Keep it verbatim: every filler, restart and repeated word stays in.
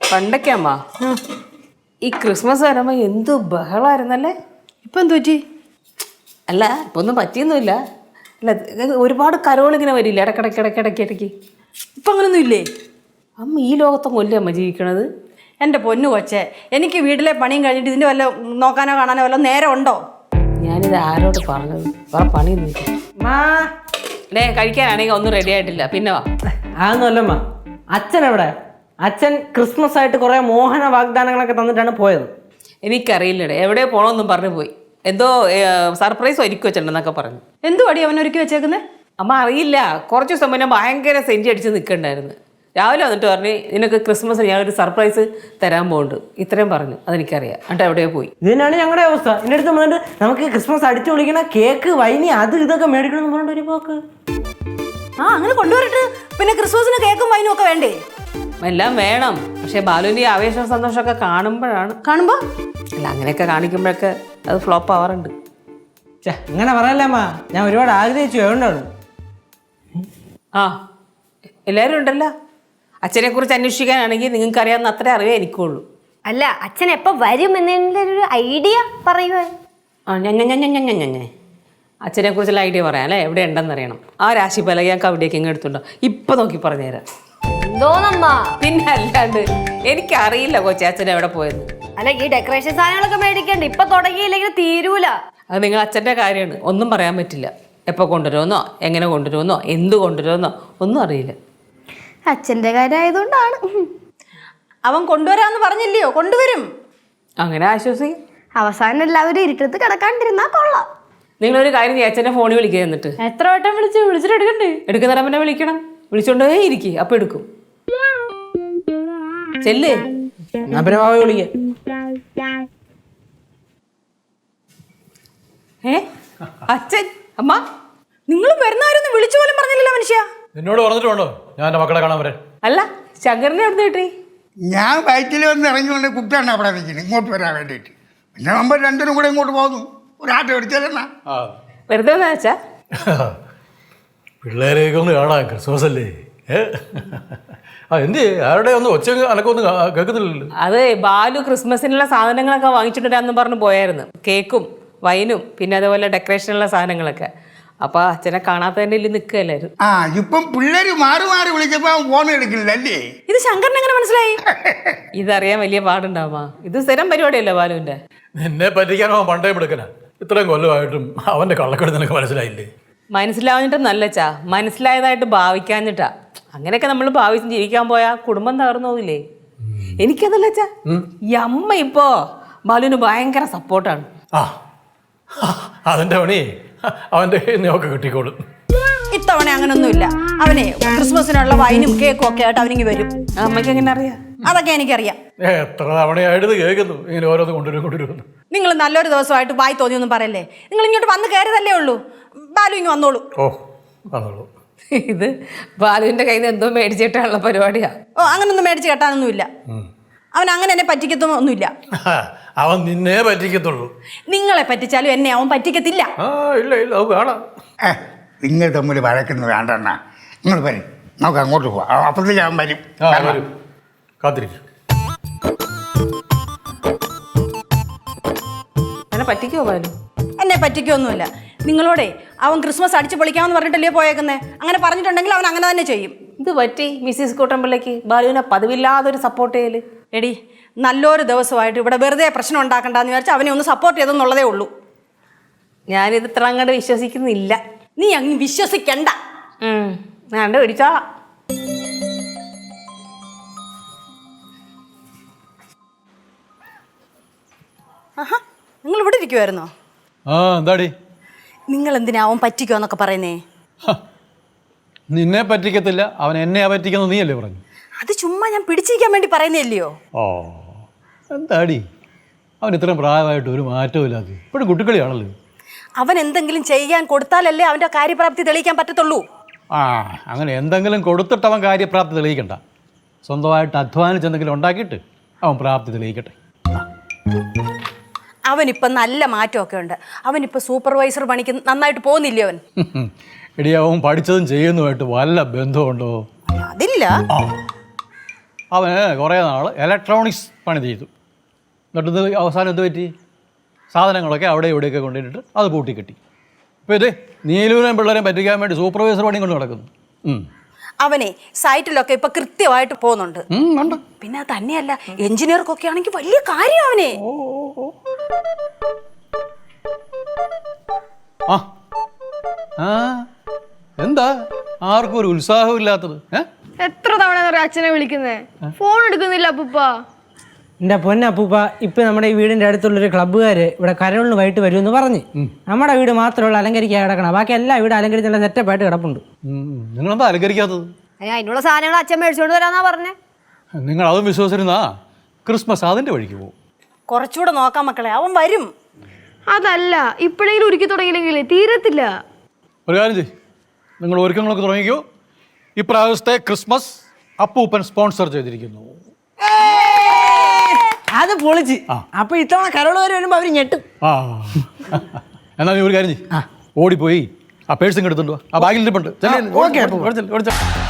പണ്ടൊക്കെ അമ്മ ഈ ക്രിസ്മസ് വരുമ്പോ എന്തു ബഹളായിരുന്നല്ലേ. ഇപ്പൊ എന്ത് പറ്റി? അല്ല ഇപ്പൊ ഒന്നും പറ്റിയൊന്നുമില്ല. അല്ല ഒരുപാട് കരോളിങ്ങനെ വരില്ല ഇടക്കിടക്ക് ഇടക്കിടക്ക് ഇടയ്ക്ക്. ഇപ്പൊ അങ്ങനൊന്നും ഇല്ലേ? അമ്മ ഈ ലോകത്തെ കൊല്ലേ അമ്മ ജീവിക്കണത്. എൻ്റെ പൊന്നു കൊച്ചേ, എനിക്ക് വീട്ടിലെ പണിയും കഴിഞ്ഞിട്ട് ഇതിൻ്റെ വല്ല നോക്കാനോ കാണാനോ വല്ല നേരം ഉണ്ടോ? ഞാനിത് ആരോട് പറഞ്ഞത്? വേറെ പണിയൊന്നും അല്ലേ. കഴിക്കാനാണെങ്കിൽ ഒന്നും റെഡി ആയിട്ടില്ല. പിന്നെ വാ. അതൊന്നുമല്ലമ്മ, അച്ഛൻ എവിടെ? അച്ഛൻ ക്രിസ്മസ് ആയിട്ട് കുറെ മോഹന വാഗ്ദാനങ്ങളൊക്കെ തന്നിട്ടാണ് പോയത്. എനിക്കറിയില്ലടേ, എവിടെ പോകണമെന്നും പറഞ്ഞു പോയി. എന്തോ സർപ്രൈസ് ഒരുക്കി വെച്ചിട്ടുണ്ടെന്നൊക്കെ പറഞ്ഞു. എന്തു പടി അവൻ ഒരുക്കി വെച്ചേക്കുന്നത്? അമ്മ അറിയില്ല. കുറച്ച് ദിവസം മുന്നേ ഭയങ്കര സെൻറ്റി അടിച്ച് നിൽക്കണ്ടായിരുന്നു. രാവിലെ വന്നിട്ട് പറഞ്ഞ് നിനക്ക് ക്രിസ്മസിന് ഞാനൊരു സർപ്രൈസ് തരാൻ പോകുന്നുണ്ട്, ഇത്രയും പറഞ്ഞു. അതെനിക്കറിയാം. എന്നിട്ട് എവിടെയോ പോയി. ഇതിനാണ് ഞങ്ങളുടെ അവസ്ഥ. എൻ്റെ അടുത്ത് വന്നിട്ട് നമുക്ക് ക്രിസ്മസ് അടിച്ചു വിളിക്കണ കേക്ക് വൈനി അത് ഇതൊക്കെ മേടിക്കണം എന്ന് പറഞ്ഞിട്ട് ഒരു പോക്ക്. ആ അങ്ങനെ കൊണ്ടുവരട്ട്. പിന്നെ ക്രിസ്മസിന് കേക്കും വൈനും ഒക്കെ വേണ്ടേ? എല്ലാം വേണം. പക്ഷേ ബാലുവിൻ്റെ ഈ ആവേശവും സന്തോഷമൊക്കെ കാണുമ്പോഴാണ്. കാണുമ്പോ അല്ല അങ്ങനെയൊക്കെ കാണിക്കുമ്പോഴൊക്കെ അത് ഫ്ലോപ്പ് ആവാറുണ്ട്. ചേ അങ്ങനെ പറയല്ലമ്മ, ഞാൻ ഒരുപാട് ആഗ്രഹിച്ചു. അതുകൊണ്ടാണ്. ആ എല്ലാവരും ഉണ്ടല്ലോ. അച്ഛനെ കുറിച്ച് അന്വേഷിക്കാനാണെങ്കിൽ നിങ്ങൾക്ക് അറിയാവുന്ന അത്ര അറിവേ എനിക്കുള്ളൂ. അല്ല അച്ഛൻ എപ്പോ വരും എന്നൊരു ഐഡിയ പറയുക. ആ ഞാൻ ഞാൻ ഞാൻ ഞാൻ ഞാൻ ഞാൻ അച്ഛനെ കുറിച്ചുള്ള ഐഡിയ പറയാം അല്ലേ. എവിടെ ഉണ്ടെന്ന് അറിയണം. ആ രാശി പലക ഞാൻ കവിടേക്ക് ഇങ്ങ് എടുത്തുണ്ടോ ഇപ്പം നോക്കി പറഞ്ഞുതരാം. എന്തോന്നമ്മ? പിന്നെ അല്ലാണ്ട് എനിക്കറിയില്ല കൊച്ചെ അച്ഛൻ എവിടെ പോയത്. അല്ല ഈ ഡെക്കറേഷൻ സാധനങ്ങളൊക്കെ മേടിക്കണ്ട. ഇപ്പൊ തുടങ്ങിയില്ലെങ്കിൽ തീരൂല. അത് നിങ്ങൾ അച്ഛൻ്റെ കാര്യമാണ്. ഒന്നും പറയാൻ പറ്റില്ല. എപ്പോൾ കൊണ്ടുവരുമെന്നോ എങ്ങനെ കൊണ്ടുവരുമെന്നോ എന്ത് കൊണ്ടുവരുമെന്നോ ഒന്നും അറിയില്ല. അച്ഛന്റെ കാര്യമായതുകൊണ്ടാണ്. അവൻ കൊണ്ടുവരാന്ന് പറഞ്ഞില്ലയോ? കൊണ്ടുവരും. അങ്ങനെ ആശ്വസിക്കും. അവസാനം എല്ലാവരും ഇരുട്ടത്ത് കിടക്കാണ്ടിരുന്നാ കൊള്ളാം. നിങ്ങളൊരു കാര്യം ചെയ്യും, അച്ഛനെ ഫോണിൽ വിളിക്കുക. എന്നിട്ട് എത്ര വട്ടം വിളിച്ച് വിളിച്ചിട്ട് എടുക്കണ്ടേ? എടുക്കുന്ന പിന്നെ വിളിക്കണം. വിളിച്ചോണ്ടേ ഇരിക്കും. അപ്പം എടുക്കും. ചെല്ല്. എന്നാ പിന്നെ ഭാവി വിളിക്കാം. ഏ അച്ഛൻ അമ്മ നിങ്ങൾ വരുന്നവരൊന്നും വിളിച്ചു പോലും പറഞ്ഞില്ലല്ലോ മനുഷ്യ. നിന്നോട് പറഞ്ഞിട്ടുണ്ടോ ഞാൻ എൻ്റെ മക്കളെ കാണാൻ വരാൻ? അല്ല ശങ്കറിനെ എവിടെ നിന്ന് കിട്ടി? ഞാൻ ബൈക്കിൽ വന്ന് ഇറങ്ങിക്കൊണ്ട് കുട്ടിയാണ് അവിടെ നിൽക്കുന്നത് ഇങ്ങോട്ട് വരാൻ വേണ്ടിയിട്ട്. പിന്നെ നമ്മൾ രണ്ടിനും കൂടെ ഇങ്ങോട്ട് പോകുന്നു. ഒരാട്ടം എടുത്തല്ലെന്നാ വെറുതെ വന്നാ വെച്ചാ? പിള്ളേരെയൊക്കെ ഒന്ന് കാണാം, ക്രിസ്മസ് അല്ലേ. ഏ ആ എന്ത് ആരുടെ ഒന്ന് ഒച്ച അനക്കൊന്നും കേൾക്കുന്നില്ലല്ലോ. അത് ബാലു ക്രിസ്മസിനുള്ള സാധനങ്ങളൊക്കെ വാങ്ങിച്ചിട്ടുണ്ടാന്ന് പറഞ്ഞ് പോയായിരുന്നു. കേക്കും വൈനും പിന്നെ അതേപോലെ ഡെക്കറേഷനുള്ള സാധനങ്ങളൊക്കെ. അപ്പൊ അച്ഛനെ കാണാത്തതിൻ്റെ ഇതിൽ നിൽക്കുകയല്ലായിരുന്നു. ആ ഇപ്പം പിള്ളേർ മാറി മാറി വിളിച്ചപ്പോ ഫോൺ എടുക്കില്ല അല്ലേ? ഇത് ശങ്കറിന് എങ്ങനെ മനസ്സിലായി? ഇതറിയാൻ വലിയ പാടുണ്ടാവുക. ഇത് സ്ഥിരം പരിപാടിയല്ലേ ബാലുവിന്റെ. നിന്നെ പറ്റിക്കാനോ പണ്ടേ എടുക്കനാ. ഇത്രയും കൊല്ലമായിട്ടും അവൻ്റെ കള്ളക്കട നിനക്ക് മനസ്സിലായില്ലേ? മനസ്സിലാവുന്നിട്ട് നല്ലച്ചാ, മനസ്സിലായതായിട്ട് ഭാവിക്കാഞ്ഞിട്ടാ. അങ്ങനെയൊക്കെ നമ്മൾ ഭാവിച്ച് ജീവിക്കാൻ പോയാ കുടുംബം തകർന്നു പോകില്ലേ. എനിക്കതല്ല അച്ഛാ, ഈ അമ്മ ഇപ്പോ ബാലുവിന് ഭയങ്കര സപ്പോർട്ടാണ്. ആ അതിൻ്റെ പണി അവൻ്റെ നോക്കെ കിട്ടിക്കോളും. ഇത്തവണ അങ്ങനൊന്നുമില്ല. അവനെ ക്രിസ്മസിനുള്ള വൈനും കേക്കും ഒക്കെ ആയിട്ട് അവനിങ്ങി വരും. അമ്മയ്ക്ക് എങ്ങനെ അറിയാം? അതൊക്കെ എനിക്കറിയാം. എത്ര തവണയായിട്ട് ഇത് കേൾക്കുന്നു ഇങ്ങനെ ഓരോന്ന് കൊണ്ടുവരും കൊണ്ടുവരുമെന്ന്. നിങ്ങൾ നല്ലൊരു ദിവസമായിട്ട് വായി തോന്നിയൊന്നും പറയല്ലേ. നിങ്ങൾ ഇങ്ങോട്ട് വന്ന് കയറിയതല്ലേ ഉള്ളൂ. ബാലു ഇങ്ങ് വന്നോളൂ. ഓ വന്നോളൂ. ഇത് ബാലുവിന്റെ കയ്യിൽ നിന്ന് എന്തോ മേടിച്ചിട്ടുള്ള പരിപാടിയാ. ഓ അങ്ങനൊന്നും മേടിച്ച് കെട്ടാനൊന്നുമില്ല. അവൻ അങ്ങനെ എന്നെ പറ്റിക്കത്തൊന്നുമില്ല. അവൻ നിന്നെ പറ്റിക്കത്തുള്ളൂ. നിങ്ങളെ പറ്റിച്ചാലും എന്നെ അവൻ പറ്റിക്കത്തില്ല. ആ ഇല്ല ഇല്ല അത് കാണാം. ഏ നിങ്ങൾ തമ്മിൽ വഴക്കുന്നത് വേണ്ടെണ്ണ. നിങ്ങൾ വരും, നമുക്ക് അങ്ങോട്ട് പോവാം. അപ്പത്തേക്ക് അവൻ വരും. ആ വരും, കാത്തിരിക്കും. അങ്ങനെ പറ്റിക്കോ ബാലു? എന്നെ പറ്റിക്കൊന്നുമില്ല. നിങ്ങളോടെ അവൻ ക്രിസ്മസ് അടിച്ച് പൊളിക്കാമെന്ന് പറഞ്ഞിട്ടല്ലേ പോയേക്കുന്നത്. അങ്ങനെ പറഞ്ഞിട്ടുണ്ടെങ്കിൽ അവൻ അങ്ങനെ തന്നെ ചെയ്യും. ഇത് പറ്റി മിസ്സിസ് കൂട്ടമ്പിള്ളയ്ക്ക് ബാലുവിനെ പതിവില്ലാതൊരു സപ്പോർട്ട് ചെയ്യല്. എടി നല്ലൊരു ദിവസമായിട്ട് ഇവിടെ വെറുതെ പ്രശ്നം ഉണ്ടാക്കണ്ടെന്ന് വിചാരിച്ചാൽ അവനെ ഒന്ന് സപ്പോർട്ട് ചെയ്തെന്നുള്ളതേ ഉള്ളൂ. ഞാനിത് ഇത്ര അങ്ങോട്ട് വിശ്വസിക്കുന്നില്ല. നീ അങ്ങ് വിശ്വസിക്കണ്ട. ഞാണ്ട് പിടിച്ചോളാം. ആഹാ നിങ്ങൾ ഇവിടെ ഇരിക്കുമായിരുന്നോ? ആ എന്താടി നിങ്ങൾ എന്തിനാ അവൻ പറ്റിക്കോ എന്നൊക്കെ പറയുന്നേ? നിന്നെ പറ്റിക്കത്തില്ല, അവൻ എന്നെയാ പറ്റിക്കുന്നത് നീയല്ലേ പറഞ്ഞു. അത് ചുമ്മാ ഞാൻ പിടിച്ചിരിക്കാൻ വേണ്ടി പറയുന്നില്ലയോ. ഓ എന്താടി അവൻ ഇത്രയും പ്രായമായിട്ട് ഒരു മാറ്റവും ഇല്ലാതെ ഇപ്പോഴും കുട്ടിക്കളിയാണല്ലോ. അവൻ എന്തെങ്കിലും ചെയ്യാൻ കൊടുത്താലല്ലേ അവൻ്റെ കാര്യപ്രാപ്തി തെളിയിക്കാൻ പറ്റത്തുള്ളൂ. ആ അങ്ങനെ എന്തെങ്കിലും കൊടുത്തിട്ട് അവൻ കാര്യപ്രാപ്തി തെളിയിക്കണ്ട. സ്വന്തമായിട്ട് അധ്വാനിച്ച് എന്തെങ്കിലും ഉണ്ടാക്കിയിട്ട് അവൻ പ്രാപ്തി തെളിയിക്കട്ടെ. അവനിപ്പം നല്ല മാറ്റമൊക്കെ ഉണ്ട്. അവനിപ്പോൾ സൂപ്പർവൈസർ പണിക്ക് നന്നായിട്ട് പോകുന്നില്ലേ അവൻ? എടി അവൻ പഠിച്ചതും ചെയ്യുന്നതുമായിട്ട് വല്ല ബന്ധമുണ്ടോ? അതില്ല. ആ അവന് കുറേ നാൾ ഇലക്ട്രോണിക്സ് പണി ചെയ്തു. എന്നിട്ട് ഇത് അവസാനം എന്ത് പറ്റി? സാധനങ്ങളൊക്കെ അവിടെ ഇവിടെയൊക്കെ കൊണ്ടുപോയിട്ട് അത് പൂട്ടിക്കെട്ടി. ഇപ്പോൾ ഇത് നീലൂരും പിള്ളേരെയും പറ്റിക്കാൻ വേണ്ടി സൂപ്പർവൈസർ പണിയും കൊണ്ട് നടക്കുന്നു. ഉം. അവനെ സൈറ്റിലൊക്കെ ഇപ്പൊ കൃത്യമായിട്ട് പോകുന്നുണ്ട്. ഉം, ഉണ്ട്. പിന്നെ അത് തന്നെയല്ല, എഞ്ചിനീയർക്കൊക്കെ ആണെങ്കിൽ വലിയ കാര്യം അവനെ. ആ ആ എന്താ ആർക്കും ഒരു ഉത്സാഹമില്ലാത്തത്? ഏ എത്ര തവണ അച്ഛനെ വിളിക്കുന്നേ, ഫോൺ എടുക്കുന്നില്ല അപ്പൂപ്പ. എൻ്റെ പൊന്നപ്പൂപ്പ, ഇപ്പം നമ്മുടെ ഈ വീടിൻ്റെ അടുത്തുള്ളൊരു ക്ലബ്ബുകാർ ഇവിടെ കരോളിന് വൈകിട്ട് വരുമെന്ന് പറഞ്ഞ് നമ്മുടെ വീട് മാത്രമുള്ള അലങ്കരിക്കാൻ കിടക്കണം, ബാക്കി എല്ലാ വീടും അലങ്കരിച്ച് നല്ല സെറ്റപ്പായിട്ട് കിടപ്പുണ്ട്. നിങ്ങളെന്താ അലങ്കരിക്കാത്തത്? അതിനുള്ള സാധനങ്ങൾ അച്ഛൻ മേടിച്ചോണ്ട് വരാന്നാ പറഞ്ഞേ. നിങ്ങൾ അതും വിശ്വസിച്ചിരുന്നാ ക്രിസ്മസ് അതിൻ്റെ വഴിക്ക് പോകും. കുറച്ചുകൂടെ നോക്കാം മക്കളെ, അവൻ വരും. അതല്ല, ഇപ്പോഴെങ്കിലും ഒരുക്കി തുടങ്ങിയില്ലെങ്കിൽ തീരത്തില്ല. ഒരു കാര്യം ചെയ്യ്, നിങ്ങൾ ഒരുക്കങ്ങളൊക്കെ തുടങ്ങിക്കോ. ഇപ്രാവശ്യത്തെ ക്രിസ്മസ് അപ്പൂപ്പൻ സ്പോൺസർ ചെയ്തിരിക്കുന്നു. അത് പൊളിച്ച്. അപ്പൊ ഇത്തവണ കരോളുകാർ വരുമ്പോ അവര് ഞെട്ടും. ആ എന്നാ നീ ഒരു കാര്യം ചെയ്യ്, ഓടിപ്പോയി ആ പേഴ്സും എടുത്തുണ്ടോ, ആ ബാഗിൽ ഇരിപ്പുണ്ട്. ഓക്കെ. ഓടിച്ചോ.